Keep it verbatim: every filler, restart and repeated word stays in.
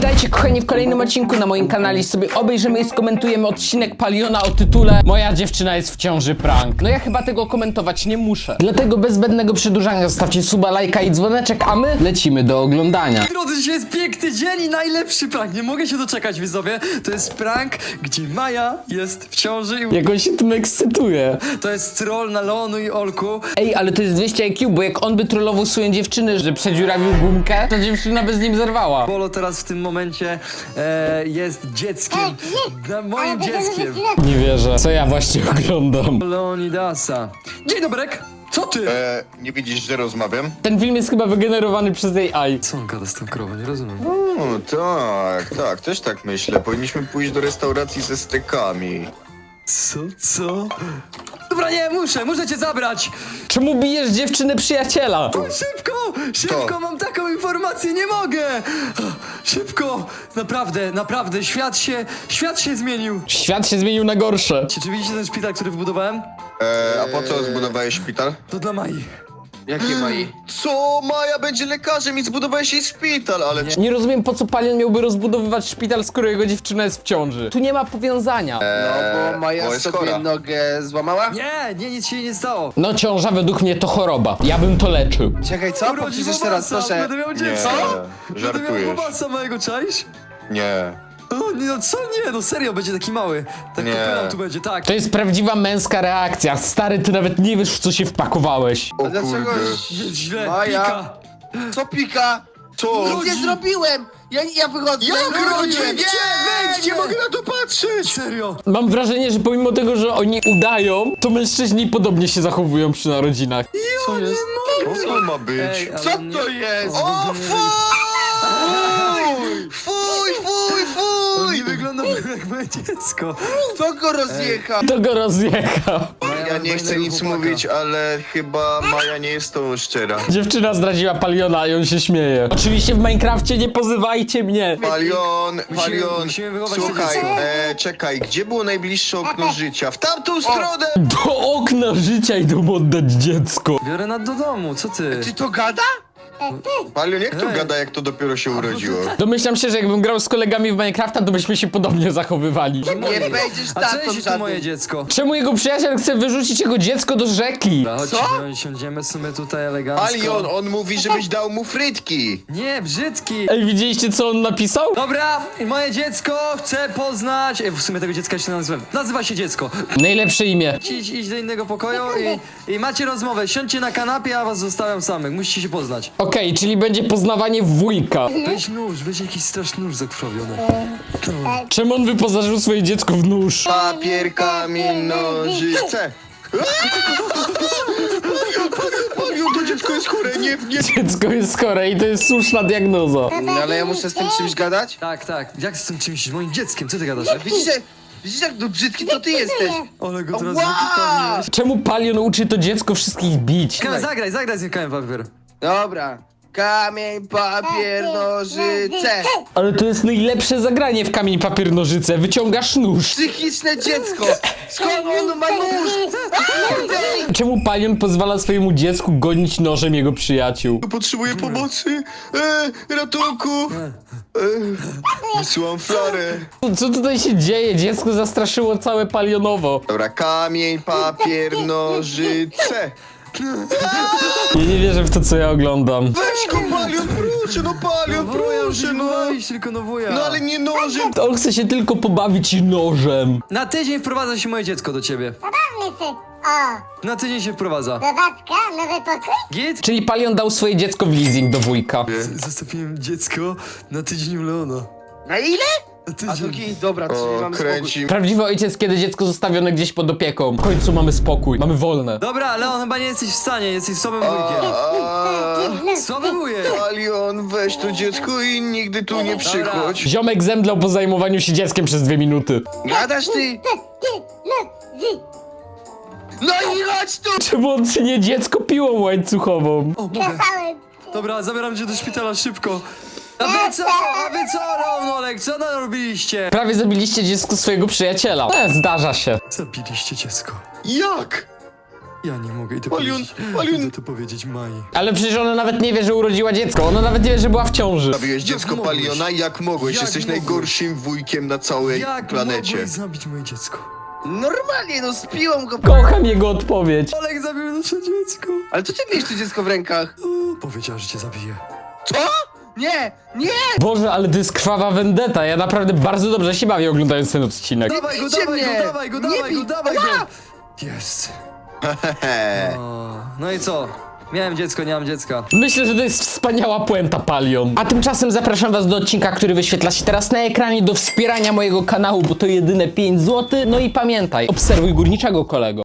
Witajcie kochani w kolejnym odcinku na moim kanale. Sobie obejrzymy i skomentujemy odcinek Paliona o tytule Moja dziewczyna jest w ciąży prank. No ja chyba tego komentować nie muszę. Dlatego bez zbędnego przedłużania zostawcie suba, lajka i dzwoneczek, a my lecimy do oglądania. Drodzy, dzisiaj jest piękny dzień i najlepszy prank. Nie mogę się doczekać, widzowie. To jest prank, gdzie Maja jest w ciąży i... Jak on się tym ekscytuje. To jest troll na Leonu i Olku. Ej, ale to jest dwieście I Q, bo jak on by trollował swoją dziewczynę, że przedziurawił gumkę, to dziewczyna by z nim zerwała. Bolo teraz w tym momencie e, jest dzieckiem. Na moim dzieckiem. Nie wierzę. Co ja właśnie oglądam? Leonidasa. Dzień dobrek. Co ty? E, nie widzisz, że rozmawiam? Ten film jest chyba wygenerowany przez A I. Co on gada z tą krową? Nie rozumiem. O, tak, tak, też tak myślę. Powinniśmy pójść do restauracji ze stekami. Co? Co? Dobra, nie, muszę, muszę cię zabrać. Czemu bijesz dziewczynę przyjaciela? Szybko, szybko, To. mam taką informację, nie mogę. Szybko, naprawdę, naprawdę, świat się, świat się zmienił. Świat się zmienił na gorsze. Czy, czy widzicie ten szpital, który wybudowałem? E, a po co zbudowałeś szpital? To dla Mai. Jakie Mai? Co? Maja będzie lekarzem i zbudowałeś jej szpital, ale... Nie rozumiem, po co Palion miałby rozbudowywać szpital, skoro jego dziewczyna jest w ciąży. Tu nie ma powiązania. No bo Maja bo jest sobie chora. nogę złamała? Nie, nie, nic się jej nie stało. No ciąża według mnie to choroba. Ja bym to leczył. Czekaj, co? Powtórz jeszcze raz, proszę. Będę miał Nie, dziecko. Będę miał żartujesz. chłopasa mojego, czaisz? Nie. O, nie, no co nie, no serio, będzie taki mały. Tak Nie. kopylam tu będzie, tak. To jest prawdziwa męska reakcja. Stary, ty nawet nie wiesz, w co się wpakowałeś. O A dlaczego kurde. Jest źle, Maja. pika. Co pika? Co? Nic nie zrobiłem! Ja, ja wychodzę. Jak no, rodzi? nie. Nie, wejdź, nie mogę na to patrzeć! Serio. Mam wrażenie, że pomimo tego, że oni udają, to mężczyźni podobnie się zachowują przy narodzinach. Co jest? Co to ma być? Ej, ale Co to nie- jest? O, fuj! Fuj, fuj, On fuj! nie wygląda jak moje dziecko. Kto go rozjechał? To go rozjechał. Ja nie chcę nic chłopaka. mówić, ale chyba Maja nie jest tą szczera. Dziewczyna zdradziła Paliona i on się śmieje. Oczywiście w Minecrafcie nie pozywajcie mnie. Palion, Palion, musimy wychować to słuchaj, dziecko. e, czekaj, gdzie było najbliższe okno życia? W tamtą stronę! Do okna życia idą oddać dziecko. Biorę nad do domu, co ty? Ty to gada? Palion, jak to Ej. gada, jak to dopiero się urodziło? Domyślam się, że jakbym grał z kolegami w Minecrafta, to byśmy się podobnie zachowywali. Nie będziesz A co tatą jeśli to moje żadnym. dziecko? Czemu jego przyjaciel chce wyrzucić jego dziecko do rzeki? Dobra, chodź, Co? no, siądziemy sobie tutaj elegancko. Palion, on mówi, żebyś dał mu frytki! Nie, brzydki. Ej, widzieliście co on napisał? Dobra, i moje dziecko chcę poznać... Ej, w sumie tego dziecka się nazywam. Nazywa się dziecko. Najlepsze imię. Idź, idź do innego pokoju i, i macie rozmowę. Siądźcie na kanapie, a was zostawiam samych. Musicie się poznać. Okej, czyli będzie poznawanie wujka. Weź nóż, weź jakiś straszny nóż zakrwawiony. Czemu on wyposażył swoje dziecko w nóż? Papier, kamień, nożyce! Palion, to dziecko jest chore, nie, nie... Dziecko jest chore i to jest słuszna diagnoza. No, ale ja muszę z tym czymś gadać? Tak, tak. Jak z tym czymś? Z moim dzieckiem? Co ty gadasz? Widzisz, że... Widzisz jak no brzydki to ty jesteś? Ale go teraz Ła! wypytam. Czemu Palion uczy to dziecko wszystkich bić? Zagraj, zagraj z nim kamień papier. Dobra. Kamień, papier, nożyce. Ale to jest najlepsze zagranie w kamień, papier, nożyce. Wyciągasz nóż. Psychiczne dziecko. Skąd on ma nóż? Czemu Palion pozwala swojemu dziecku gonić nożem jego przyjaciół? Potrzebuję pomocy! E, ratunku! E, wysyłam flarę. Co tutaj się dzieje? Dziecko zastraszyło całe Palionowo. Dobra, kamień, papier, nożyce! Ja nie wierzę w to, co ja oglądam. Weź go, Palion, proszę, no Palion, proszę, no! Weź tylko no wuja. No ale nie nożem! On chce się tylko pobawić nożem. Na tydzień wprowadza się moje dziecko do ciebie. Zabawmy się. O, Na tydzień się wprowadza. zabawka, nowy pokój? Git? Czyli Palion dał swoje dziecko w leasing do wujka. Zostawiłem dziecko na tydzień u Leona. Na ile? Na A tydzień. drugi, dobra, czyli O, mamy spokój. kręci. Prawdziwy ojciec, kiedy dziecko zostawione gdzieś pod opieką. W końcu mamy spokój, mamy wolne. Dobra, Leon, chyba nie jesteś w stanie, jesteś słabym wujkiem. A, Słaby wujek. Palion, weź to dziecko i nigdy tu nie przychodź. Ziomek zemdlał po zajmowaniu się dzieckiem przez dwie minuty. Gadasz ty? No i chodź tu! Czemu on nie dziecko piłą łańcuchową? O, mogę. Kazałem. Dobra, zabieram cię do szpitala szybko. A wy co? A wy co, Leonolek? Co narobiliście? Prawie zabiliście dziecko swojego przyjaciela. E, zdarza się. Zabiliście dziecko. Jak? Ja nie mogę i to Palion, powiedzieć. Palion. Idę to powiedzieć Mai. Ale przecież ona nawet nie wie, że urodziła dziecko. Ona nawet nie wie, że była w ciąży. Zabiłeś dziecko mogłeś? Paliona? Jak mogłeś? Jak Jesteś mogłeś? najgorszym wujkiem na całej Jak planecie. mogłeś zabić moje dziecko? Normalnie, no spiłam go. Kocham jego odpowiedź. Olek zabił nasze dziecko. Ale to ty miałeś to dziecko w rękach. O, powiedziała, że cię zabije. Co? Nie, nie! Boże, ale to jest krwawa vendetta. Ja naprawdę bardzo dobrze się bawię oglądając ten odcinek. Dawaj go, bijcie dawaj mnie! go, dawaj go, Nie dawaj go, bij! dawaj go! Ała! Jest. Hehe. O, no i co? Miałem dziecko, nie mam dziecka. Myślę, że to jest wspaniała puenta, Palion. A tymczasem zapraszam was do odcinka, który wyświetla się teraz na ekranie, do wspierania mojego kanału, bo to jedyne pięć złotych. No i pamiętaj, obserwuj górniczego, kolego.